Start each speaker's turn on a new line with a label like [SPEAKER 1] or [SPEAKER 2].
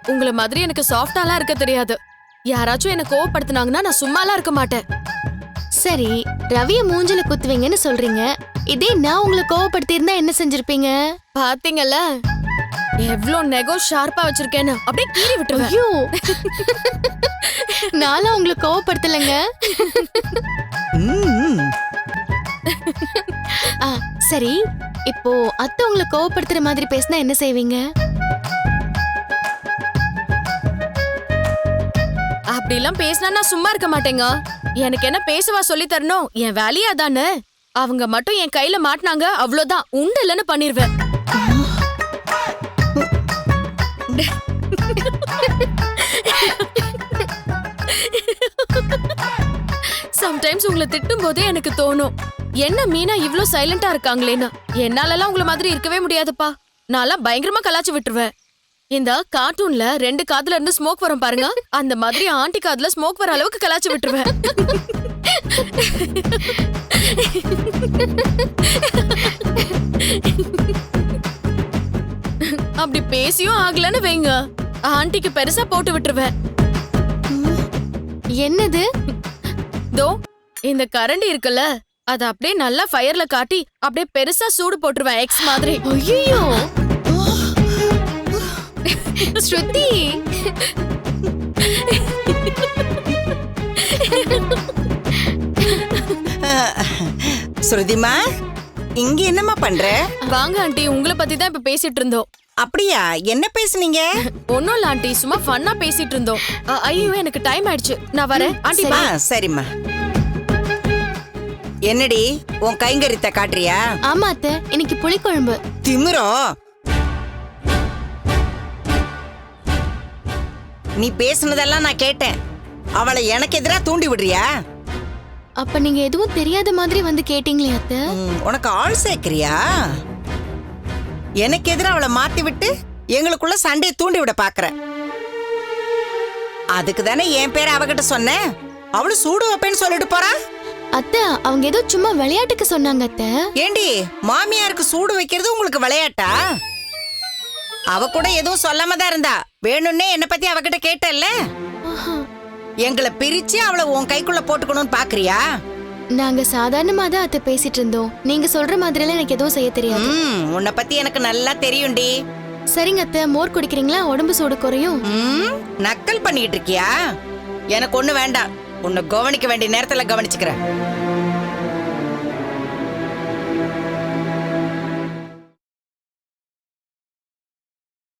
[SPEAKER 1] உங்கள மாதிரி எனக்கு சாஃப்டாலாம் இருக்க தெரியாது. யாராச்சும் என்ன கோவப்படுத்துனாங்கன்னா நான் சும்மாலாம் இருக்க மாட்டேன்.
[SPEAKER 2] சரி, ரவிய மூஞ்சில குத்துவீங்கன்னு சொல்றீங்க. இதே நான் உங்களை கோவப்படுத்தி இருந்தா என்ன செஞ்சிருப்பீங்க?
[SPEAKER 1] பாத்தீங்கல்ல எவ்ளோ நெகோ ஷார்ப்பா வச்சிருக்கேன்னு, அப்படியே கீறி விட்டுருவேன்.
[SPEAKER 2] ஐயோ, நானும் உங்களை கோவப்படுத்தலைங்க. சரி, இப்போ அத்தை உங்களை கோவப்படுத்துற மாதிரி பேசினா என்ன செய்வீங்க?
[SPEAKER 1] அப்படிலாம் பேசினா நான் சும்மா இருக்க மாட்டேங்க. எனக்கு என்ன பேசவா சொல்லி தரணும்? என் வேலையே அதானே. அவங்க மட்டும் என் கையில மாட்டினாங்க, அவ்வளவுதான், உண்டு இல்லைன்னு பண்ணிருவேன். சம்டைம்ஸ் உங்களை திட்டும் போதே எனக்கு தோணும், என்ன மீனா இவ்ளோ சைலண்டா இருக்காங்களேன்னு. என்னாலலாம் உங்களை மாதிரி இருக்கவே முடியாதுப்பா. நான்லாம் பயங்கரமா கலாச்சு விட்டுருவேன். இந்த கார்ட்டூன்ல 2 காதுல இருந்து ஸ்மோக் வரும் பாருங்க, அந்த மாதிரி ஆண்டி காதுல ஸ்மோக் வர அளவுக்கு கலாச்சு விட்டுருவேன். அப்படி பேசியும் ஆகலன்னு வைங்க, ஆண்டிக்கு பெருசா போட்டு விட்டுருவேன்.
[SPEAKER 2] என்னது?
[SPEAKER 1] தோ இந்த கரண்டி இருக்குல்ல, அத அப்படியே நல்லா ஃபயர்ல காட்டி அப்படியே பெருசா சூடு போட்டுருவேன், எக்ஸ் மாதிரி.
[SPEAKER 2] ஐயோ ஸ்ருதி,
[SPEAKER 3] ஸ்ருதிமா, இங்க என்னம்மா பண்ற?
[SPEAKER 1] வாங்க ஆண்டி, உங்களை பத்தி தான் இப்ப பேசிட்டு இருந்தோம்.
[SPEAKER 3] அப்படியா, என்ன பேசுனீங்க?
[SPEAKER 1] ஒன்னும் இல்ல ஆண்டி, சும்மா ஃபன்னா பேசிட்டு இருந்தோம். ஐயோ எனக்கு டைம் ஆயிடுச்சு, நான் வரேன் ஆண்டி.
[SPEAKER 3] ஆ, சரிம்மா. என்னடி உன் கைங்கரித்த காட்டுறியா?
[SPEAKER 2] ஆமா அத்தை, இன்னைக்கு புளிக்குழம்பு.
[SPEAKER 3] திமிரோ, நீ பேசுனதெல்லாம் நான் கேட்டேன். அவளை எனக்கு எதிரா தூண்டி விடுறியா?
[SPEAKER 2] அப்ப நீங்க எதுவும் தெரியாத மாதிரி வந்து கேட்டீங்களே அத்தை.
[SPEAKER 3] உனக்கு ஆள் சேர்க்கிறியா? எனக்கு எதிரா அவளை மாத்தி விட்டு எங்களுக்குள்ள சண்டையை தூண்டி விட பாக்குற. அதுக்கு தானே என் பேரை அவகிட்ட சொன்னேன். அவளு சூடு வைப்பேன்னு சொல்லிட்டு போறா.
[SPEAKER 2] அத்தை, அவங்க ஏதோ சும்மா விளையாட்டுக்கு சொன்னாங்க அத்தை.
[SPEAKER 3] ஏண்டி, மாமியாருக்கு சூடு வைக்கிறது உங்களுக்கு விளையாட்டா? அவ கூட எதுவும் சொல்லாம தான் இருந்தா. வேணும்னே என்ன பத்தி அவகிட்ட கேட்டல்ல. எங்களை பிரிச்சு அவளை உன் கைக்குள்ள போட்டுக்கணும்னு பாக்குறியா?
[SPEAKER 2] நாங்க சாதாரணமா தான் அத்தை பேசிட்டு இருந்தோம். நீங்க சொல்ற மாதிரி எல்லாம் எனக்கு எதுவும் செய்ய தெரியாது.
[SPEAKER 3] உன்னை பத்தி எனக்கு நல்லா தெரியும்டி.
[SPEAKER 2] சரிங்க அத்தை, மோர் குடிக்கிறீங்களா? உடம்பு சூடு குறையும்.
[SPEAKER 3] நக்கல் பண்ணிட்டு இருக்கியா? எனக்கு ஒண்ணு வேண்டாம். உன்னை கவனிக்க வேண்டிய நேரத்துல கவனிச்சுக்கிறேன்.